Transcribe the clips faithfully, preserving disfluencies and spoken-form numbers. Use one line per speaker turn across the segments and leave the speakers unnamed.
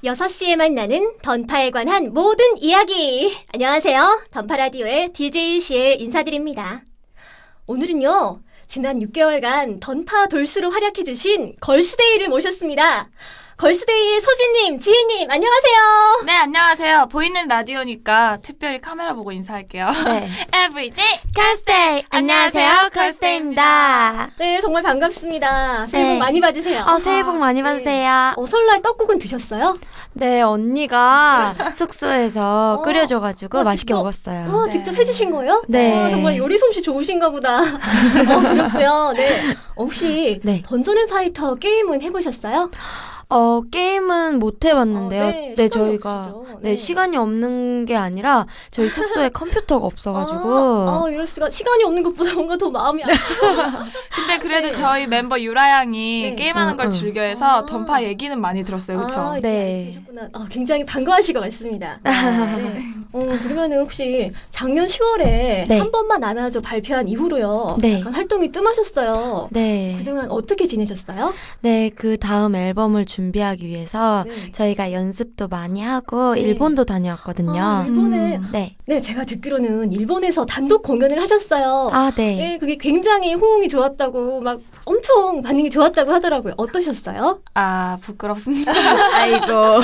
여섯 시에 만나는 던파에 관한 모든 이야기. 안녕하세요. 던파라디오의 디제이 시엘 인사드립니다. 오늘은요, 지난 육 개월간 던파 돌수로 활약해주신 걸스데이를 모셨습니다. 걸스데이의 소진님, 지혜님, 안녕하세요.
네, 안녕하세요. 보이는 라디오니까 특별히 카메라 보고 인사할게요.
네.
Everyday
걸스데이! 안녕하세요, 걸스데이입니다.
네, 정말 반갑습니다. 새해 복
네.
많이 받으세요.
어, 새해 복 많이 받으세요.
어, 설날 떡국은 드셨어요?
네, 언니가 숙소에서
어.
끓여줘가지고
어,
맛있게
직접?
먹었어요.
어,
네.
직접 해주신 거예요?
네.
어, 정말 요리 솜씨 좋으신가 보다. 어, 그렇고요. 네. 어, 혹시
네.
던전 앤 파이터 게임은 해보셨어요?
어, 게임은 못 해봤는데요.
어,
네,
네, 시간이
저희가
없으시죠.
네.
네.
시간이 없는 게 아니라 저희 숙소에 컴퓨터가 없어가지고
아, 아, 이럴 수가. 시간이 없는 것보다 뭔가 더 마음이 아프다.
근데 그래도
네.
저희 멤버 유라 양이
네.
게임하는
응,
걸
응.
즐겨해서
아.
던파 얘기는 많이 들었어요. 그쵸?
아,
네.
네. 계셨구나. 아, 굉장히 반가워하실 것 같습니다. 네. 어, 그러면은 혹시 작년 시월에
네.
한 번만 안아줘 발표한 이후로요.
네.
약간 활동이 뜸하셨어요.
네.
그동안 어떻게 지내셨어요?
네, 그 다음 앨범을 준비하기 위해서
네.
저희가 연습도 많이 하고
네.
일본도 다녀왔거든요.
아, 일본에
음.
네.
네, 제가 듣기로는 일본에서 단독 공연을 하셨어요.
아, 네.
네, 그게 굉장히 호응이 좋았다고 막 엄청 반응이 좋았다고 하더라고요. 어떠셨어요?
아, 부끄럽습니다.
아이고.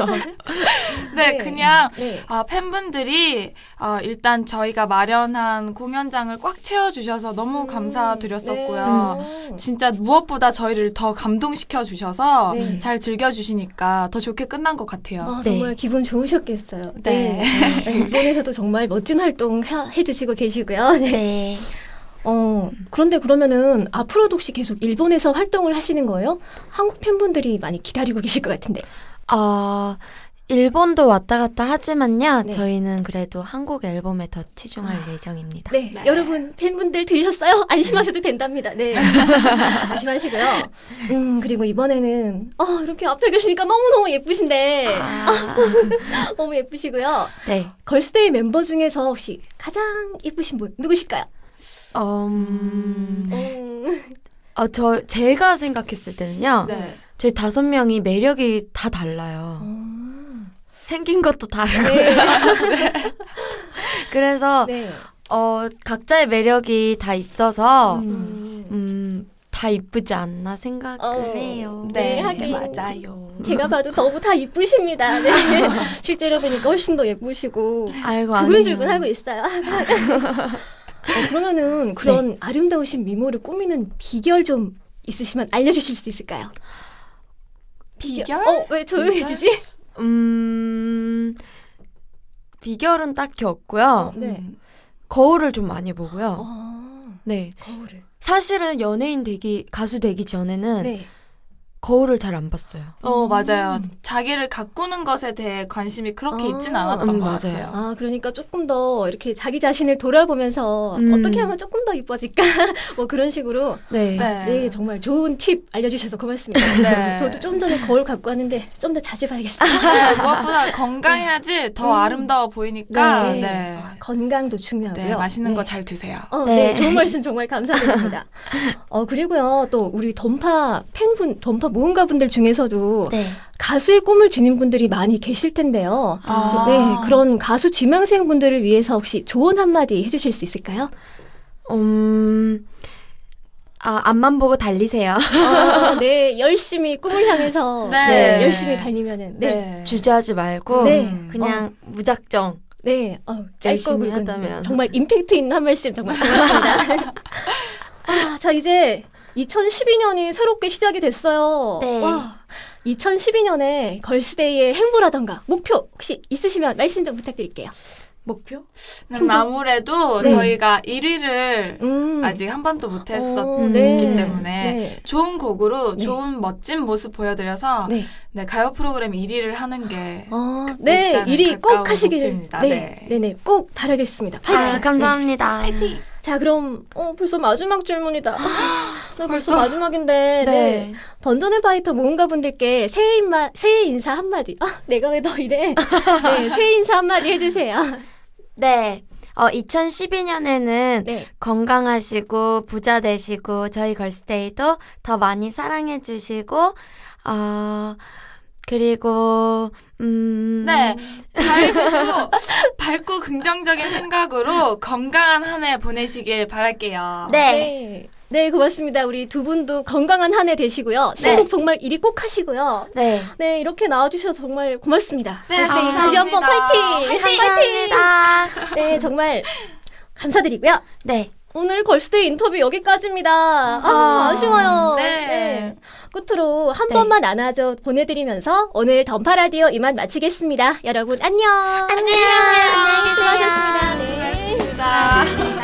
네,
네.
그냥
네.
아, 팬분들이 어, 일단 저희가 마련한 공연장을 꽉 채워주셔서 너무
음,
감사드렸었고요.
네.
진짜 무엇보다 저희를 더 감동시켜 주셔서
네.
잘 즐겨주시니까 더 좋게 끝난 것 같아요.
아,
네.
정말 기분 좋으셨겠어요.
네.
네. 일본에서도 정말 멋진 활동 하- 해주시고 계시고요. 네.
네.
어, 그런데 그러면은 앞으로도 혹시 계속 일본에서 활동을 하시는 거예요? 한국 팬분들이 많이 기다리고 계실 것 같은데.
어, 일본도 왔다 갔다 하지만요.
네.
저희는 그래도 한국 앨범에 더 치중할
아.
예정입니다.
네,
네.
여러분 팬분들 들으셨어요? 안심하셔도 된답니다. 네, 안심하시고요. 음, 그리고 이번에는 어, 이렇게 앞에 계시니까 너무너무 예쁘신데
아,
너무 예쁘시고요.
네.
걸스데이 멤버 중에서 혹시 가장 예쁘신 분 누구실까요?
음,
음,
어, 저, 제가 생각했을 때는요.
네.
저희 다섯 명이 매력이 다 달라요.
음.
생긴 것도 다르고.
네.
그래서,
네.
어, 각자의 매력이 다 있어서,
음.
음, 다 이쁘지 않나 생각을
어,
해요.
네,
네,
하긴.
맞아요.
제가 봐도 너무 다 이쁘십니다. 네. 실제로 보니까 훨씬 더 예쁘시고
아이고,
두근두근
아니에요.
하고 있어요. 어, 그러면은 그런 아름다우신 미모를 꾸미는 비결 좀 있으시면 알려주실 수 있을까요?
비결?
어, 왜 조용해지지?
음, 비결은 딱히 없고요.
네.
음.
거울을 좀 많이 보고요.
어,
네.
거울을.
사실은 연예인 되기, 가수 되기 전에는
네.
거울을 잘 안 봤어요.
어, 맞아요.
음.
자기를 가꾸는 것에 대해 관심이 그렇게
아.
있진 않았던
음,
것
맞아요.
같아요.
아, 그러니까 조금 더 이렇게 자기 자신을 돌아보면서
음.
어떻게 하면 조금 더 이뻐질까? 뭐 그런 식으로.
네.
네.
네, 정말 좋은 팁 알려주셔서 고맙습니다.
네.
저도 좀 전에 거울 갖고 왔는데 좀 더 자주 봐야겠습니다.
네, 무엇보다 건강해야지 더
음.
아름다워 보이니까
네.
네,
아, 건강도 중요하고요.
네, 맛있는
네.
거 잘 드세요.
어, 네.
네.
좋은 말씀 정말 감사드립니다. 어, 그리고요, 또 우리 던파 팬분, 던파 모험가분들 중에서도
네.
가수의 꿈을 지닌 분들이 많이 계실 텐데요.
아.
네, 그런 가수 지망생 분들을 위해서 혹시 조언 한마디 해주실 수 있을까요?
음, 아, 앞만 보고 달리세요.
어, 네, 열심히 꿈을 향해서
네.
네, 열심히 달리면은 네, 네,
네.
주저하지 말고
네.
그냥 무작정.
어, 짧고
열심히
굵은
하다면.
정말 임팩트 있는 한 말씀 정말 고맙습니다. 아, 자 이제 이천십이 년이 새롭게 시작이 됐어요.
네.
와, 이천십이 년에 걸스데이의 행보라던가 목표 혹시 있으시면 말씀 좀 부탁드릴게요.
목표?
그럼 아무래도
네.
저희가 일 위를
음.
아직 한 번도 못했었기
어,
때문에
네.
좋은 곡으로
네.
좋은 멋진 모습 보여드려서 네.
네.
가요 프로그램 일 위를 하는 게
어, 네,
일단은
일 위 꼭
가까운
하시기를
목표입니다.
네,
네.
네, 네, 꼭 바라겠습니다. 파이팅.
아, 감사합니다.
네. 자, 그럼 어, 벌써 마지막 질문이다. 나 벌써,
벌써?
마지막인데. 네.
네.
던전 앤 파이터 모험가 분들께 새해 인마, 새해 인사 한마디. 아, 내가 왜 너 이래? 네, 새해 인사 한마디 해주세요.
네. 어, 이천십이 년에는
네.
건강하시고 부자 되시고 저희 걸스데이도 더 많이 사랑해 주시고 어, 그리고 음
네, 밝고, 밝고 긍정적인 생각으로 건강한 한 해 보내시길 바랄게요.
네.
네. 네, 고맙습니다. 우리 두 분도 건강한 한 해 되시고요. 신곡 정말 일 위 꼭 하시고요.
네.
네, 이렇게 나와주셔서 정말 고맙습니다.
네,
다시,
감사합니다.
다시 한번 파이팅!
감사합니다.
네, 정말 감사드리고요.
네.
오늘 걸스데이 인터뷰 여기까지입니다. 아,
아,
아쉬워요.
네.
끝으로 한
네.
번만 안아줘 보내드리면서 오늘 던파라디오 이만 마치겠습니다. 여러분 안녕.
안녕. 안녕히 계세요.
수고하셨습니다. 네.
수고하셨습니다.